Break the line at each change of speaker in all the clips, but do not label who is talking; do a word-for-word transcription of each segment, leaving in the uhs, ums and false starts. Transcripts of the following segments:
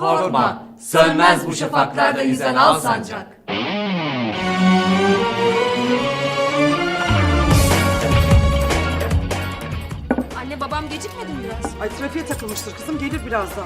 Korkma, sönmez bu şafaklarda yüzen al sancak.
Anne babam gecikmedi mi biraz?
Ay trafiğe takılmıştır kızım, gelir birazdan.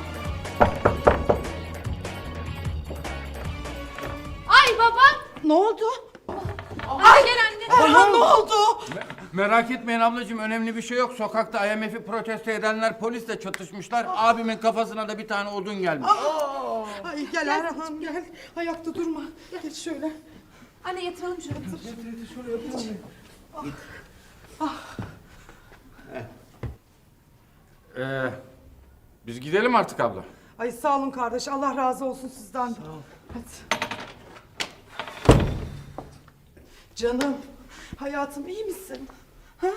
Ay baba!
Ne oldu?
Ay gel anne.
Erhan ne oldu?
Merak etmeyin ablacığım, önemli bir şey yok. Sokakta I M F'i protesto edenler polisle çatışmışlar. Abimin kafasına da bir tane odun gelmiş.
Ay gel Erhan gel. Ayakta durma. Geç şöyle.
Anne yatıralım şunu.
Ee, biz gidelim artık abla.
Ay sağ olun kardeş. Allah razı olsun sizden. Sağ ol. Hadi. Canım. Hayatım iyi misin? Ha?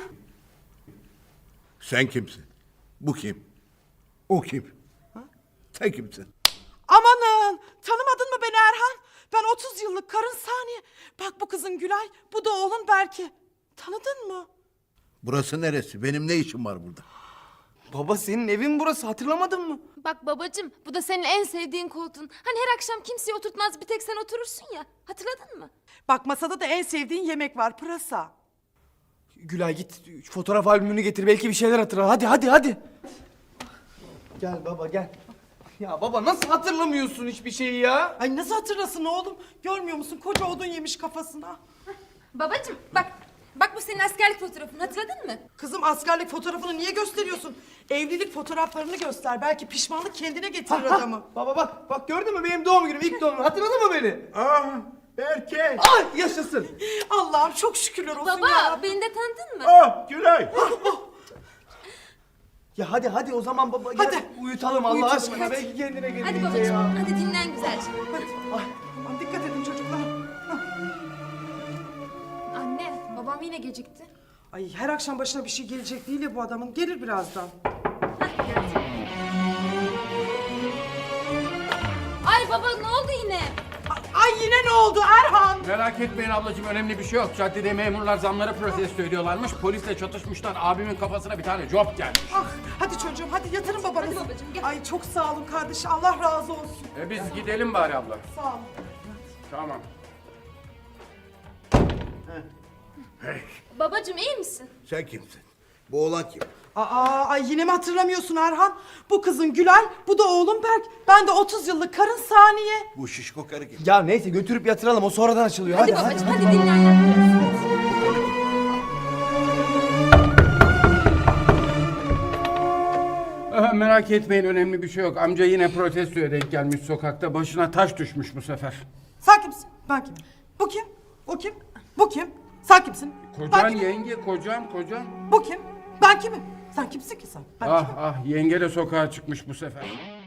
Sen kimsin? Bu kim? O kim? Ha? Sen kimsin?
Amanın. Tanımadın mı beni Erhan? Ben otuz yıllık karın Saniye. Bak bu kızın Gülay. Bu da oğlun Berke. Tanıdın mı?
Burası neresi? Benim ne işim var burada?
Baba senin evin burası, hatırlamadın mı?
Bak babacığım bu da senin en sevdiğin koltuğun. Hani her akşam kimseyi oturtmaz bir tek sen oturursun ya. Hatırladın mı?
Bak masada da en sevdiğin yemek var, pırasa.
Gülay git şu fotoğraf albümünü getir, belki bir şeyler hatırlar. Hadi hadi hadi. Gel baba gel. Ya baba nasıl hatırlamıyorsun hiçbir şeyi ya?
Ay nasıl hatırlasın oğlum? Görmüyor musun? Koca odun yemiş kafasına.
Babacığım bak. Bak bu senin askerlik fotoğrafın, hatırladın mı?
Kızım askerlik fotoğrafını niye gösteriyorsun? Evlilik fotoğraflarını göster. Belki pişmanlık kendine getirir adamı.
Baba bak bak gördün mü benim doğum günüm, ilk doğum günüm, hatırladın mı beni?
Aa, Berke!
Ay yaşasın.
Allah'ım çok şükürler olsun
Baba
ya.
beni de tanıdın mı?
Ah, Gülay!
Ya hadi hadi o zaman baba gel
Hadi.
uyutalım Allah
Uyutalım,
aşkına,
hadi.
belki kendine gelir.
Hadi
iyice
babacığım
ya.
hadi dinlen güzelce.
Hadi. Aman dikkat edin çocuklar.
Anne babam yine gecikti.
Ay her akşam başına bir şey gelecek değil ya bu adamın. Gelir birazdan.
Ay baba ne oldu yine?
A- Ay yine ne oldu Erhan?
Merak etmeyin ablacığım, önemli bir şey yok. Caddede memurlar zamları protesto ediyorlarmış. Polisle çatışmışlar. Abimin kafasına bir tane job gelmiş.
Ah, hadi çocuğum hadi yatırın babanızı.
Hadi babacığım, gel.
Ay çok sağ olun kardeş. Allah razı olsun.
E biz gidelim bari abla.
Sağ olun.
Tamam.
Babacığım iyi misin?
Sen kimsin? Bu oğlan kim?
Aa, ay yine mi hatırlamıyorsun Erhan? Bu kızın Gülay, bu da oğlum Berk. Ben de otuz yıllık karın Saniye.
Bu şişko karı kim?
Ya neyse götürüp yatıralım, o sonradan açılıyor.
Hadi,
Hadi hadi.
babacığım hadi, dinlen yat biraz.
Aha, merak etmeyin, önemli bir şey yok. Amca yine protestoya denk gelmiş sokakta. Başına taş düşmüş bu sefer.
Sen kimsin? Ben kimim? Bu kim? O kim? Bu kim? Sen kimsin?
Kocan
Ben kimim?
yenge, kocam, kocam.
Bu kim? Ben kimim? Sen kimsin ki sen? Ben
Ah ah, yenge de sokağa çıkmış bu sefer.